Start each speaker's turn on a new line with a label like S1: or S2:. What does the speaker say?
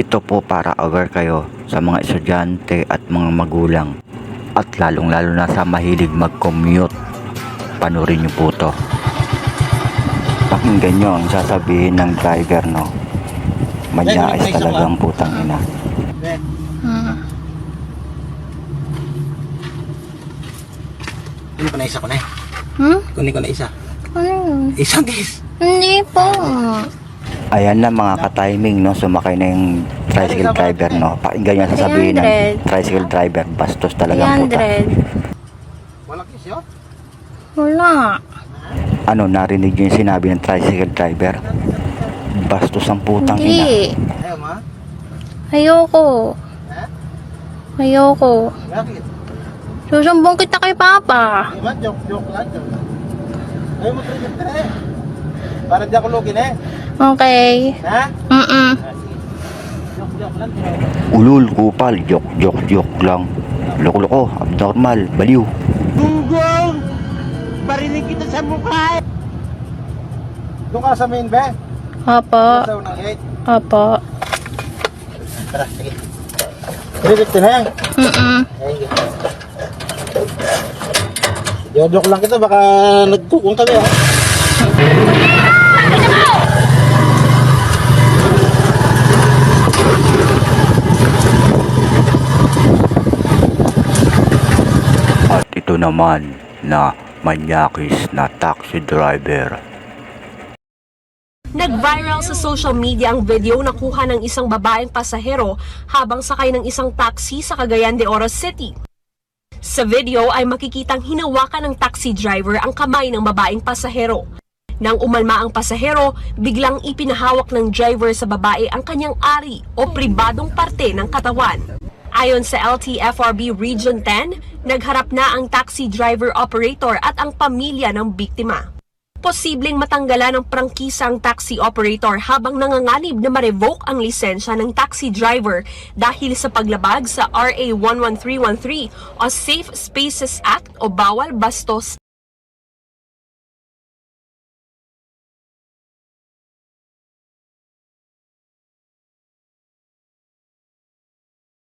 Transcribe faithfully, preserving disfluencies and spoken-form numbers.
S1: Ito po para aware kayo sa mga estudyante at mga magulang at lalong lalo na sa mahilig mag-commute. Panurin niyo po to. Pakinggan nyo ang sasabihin ng driver, no? Manyais talagang putang ina.
S2: Hmm.
S3: Kunin ko na isa ko na eh.
S2: Hmm?
S3: Kunin ko na isa.
S2: Ano yun?
S3: Isang guys.
S2: Hindi po.
S1: Ayan na mga ka-timing, no? Sumakay na yung tricycle driver, no? Pakinggan nyo ang sasabihin ng tricycle driver. Bastos talagang puta.
S2: three hundred.
S3: Walang kisyo?
S2: Wala.
S1: Ano, narinig nyo yung sinabi ng tricycle driver? Bastos ang putang ina.
S2: Hindi.
S3: Ayaw ma?
S2: Ayoko.
S3: Ha?
S2: Ayoko.
S3: Bakit?
S2: Susumbong kita kay Papa.
S3: Di ba? Joke, joke lang. Joke. Ayaw mo trigger ka na eh. Para di ako lugin eh.
S2: Okay.
S3: Ha?
S2: Mm-mm.
S3: Ah, sige. Joke, joke lang.
S1: Ulul, kupal, joke, joke, joke lang. Loko-loko, abnormal, baliw.
S3: Gunggong! Barinig kita sa mukha eh. Doon ka sa main be?
S2: Apo.
S3: Sa unang gate.
S2: Apo.
S3: Tara, sige. Trigger ka na eh.
S2: Mm-mm.
S3: Ayun. Joke lang kita, baka nagkukong kami ha.
S1: At ito naman na manyakis na taxi driver.
S4: Nag-viral sa social media ang video na kuha ng isang babaeng pasahero habang sakay ng isang taxi sa Cagayan de Oro City. Sa video ay makikitang hinawakan ng taxi driver ang kamay ng babaeng pasahero. Nang umalma ang pasahero, biglang ipinahawak ng driver sa babae ang kanyang ari o pribadong parte ng katawan. Ayon sa L T F R B Region ten, nagharap na ang taxi driver operator at ang pamilya ng biktima. Posibleng matanggalan ng prangkisa ang taxi operator habang nanganganib na ma-revoke ang lisensya ng taxi driver dahil sa paglabag sa R A one one three one three o Safe Spaces Act o Bawal Bastos